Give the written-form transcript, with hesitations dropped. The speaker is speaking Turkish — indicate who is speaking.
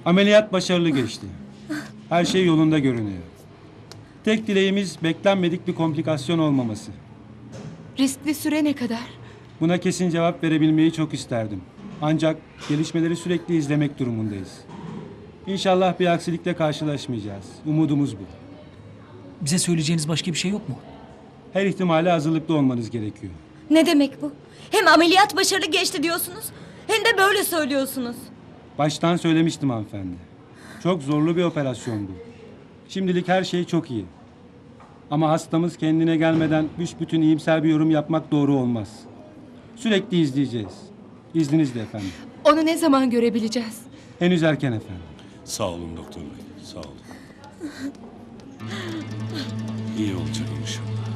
Speaker 1: Ameliyat başarılı geçti. Her şey yolunda görünüyor. Tek dileğimiz beklenmedik bir komplikasyon olmaması.
Speaker 2: Riskli süre ne kadar?
Speaker 1: Buna kesin cevap verebilmeyi çok isterdim. Ancak gelişmeleri sürekli izlemek durumundayız. İnşallah bir aksilikle karşılaşmayacağız. Umudumuz bu.
Speaker 3: Bize söyleyeceğiniz başka bir şey yok mu?
Speaker 1: Her ihtimale hazırlıklı olmanız gerekiyor.
Speaker 4: Ne demek bu? Hem ameliyat başarılı geçti diyorsunuz, hem de böyle söylüyorsunuz.
Speaker 1: Baştan söylemiştim hanımefendi. Çok zorlu bir operasyondu. Şimdilik her şey çok iyi. Ama hastamız kendine gelmeden büsbütün iyimser bir yorum yapmak doğru olmaz. Sürekli izleyeceğiz. İzninizle efendim.
Speaker 2: Onu ne zaman görebileceğiz?
Speaker 1: Henüz erken efendim.
Speaker 5: Sağ olun doktor bey, sağ olun. İyi olacak inşallah.